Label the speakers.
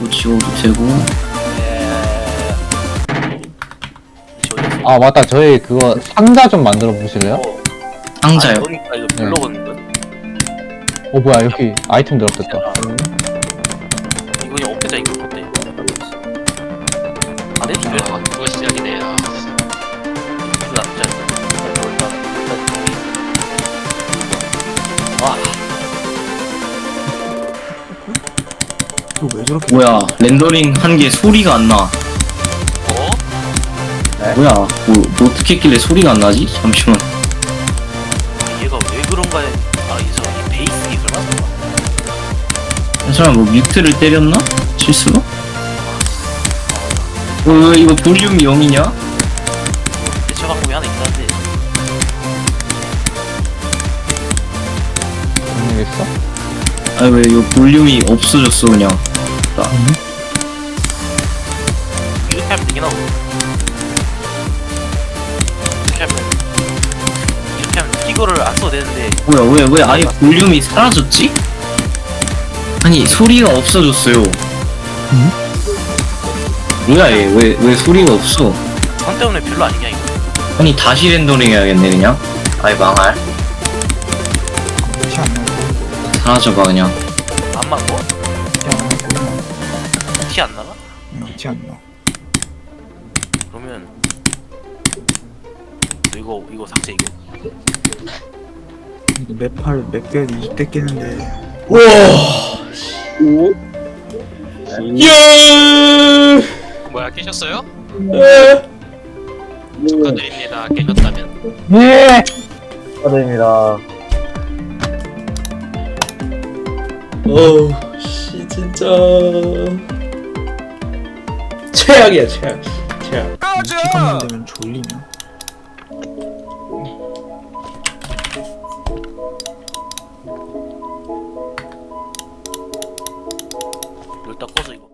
Speaker 1: 이거 지워도 되고.
Speaker 2: 아 맞다, 저희 그거 상자 좀 만들어 보실래요?
Speaker 1: 상자요?
Speaker 3: 그러니까 이거 별로거든.
Speaker 2: 어 뭐야, 여기 아이템 들었겠다.
Speaker 3: 이거 그냥 없애자 이거 어때? 안 해도 돼.
Speaker 4: 아, 그거 시작이네요.
Speaker 3: 이거 나쁘지 않다. 와,
Speaker 5: 이거 왜 저렇게
Speaker 1: 뭐야, 렌더링 한 게 소리가 안 나.
Speaker 4: 어?
Speaker 1: 뭐야, 뭐 어떻게 했길래 소리가 안 나지? 잠시만.
Speaker 3: 얘가 왜 그런가에 이 베이스 기술 맞나?
Speaker 1: 이 사람 뭐 뮤트를 때렸나? 실수로? 왜 이거 볼륨이 0이냐?
Speaker 3: 대처 방법이 하나 있다는데
Speaker 2: 무슨 일 있어?
Speaker 1: 아 왜 이거 볼륨이 없어졌어 그냥.
Speaker 3: 이렇게 하면 되긴 하고 이렇게 하면 이거를 안 써도 되는데
Speaker 1: 뭐야 왜 아예 볼륨이 사라졌지? 아니 소리가 없어졌어요. 뭐야 얘 왜 소리가 없어?
Speaker 3: 선 때문에 별로 아니냐 이거.
Speaker 1: 아니 다시 렌더링 해야겠네 그냥. 아이 망할.
Speaker 5: 티안 나고
Speaker 1: 사라져봐 그냥.
Speaker 3: 안 맞고
Speaker 5: 티안 나고
Speaker 3: 티 안 나나?
Speaker 5: 티안 나.
Speaker 3: 그러면 이거 삭제 이거.
Speaker 5: 이거 맵팔 맵별 20대 깨는데
Speaker 4: 뭐야, 깨셨어요? 축하드립니다. 깨셨다면.
Speaker 2: 네.
Speaker 6: 축하드립니다. 씨 진짜 최악이야 최악.
Speaker 5: 시간만 되면 졸리냐?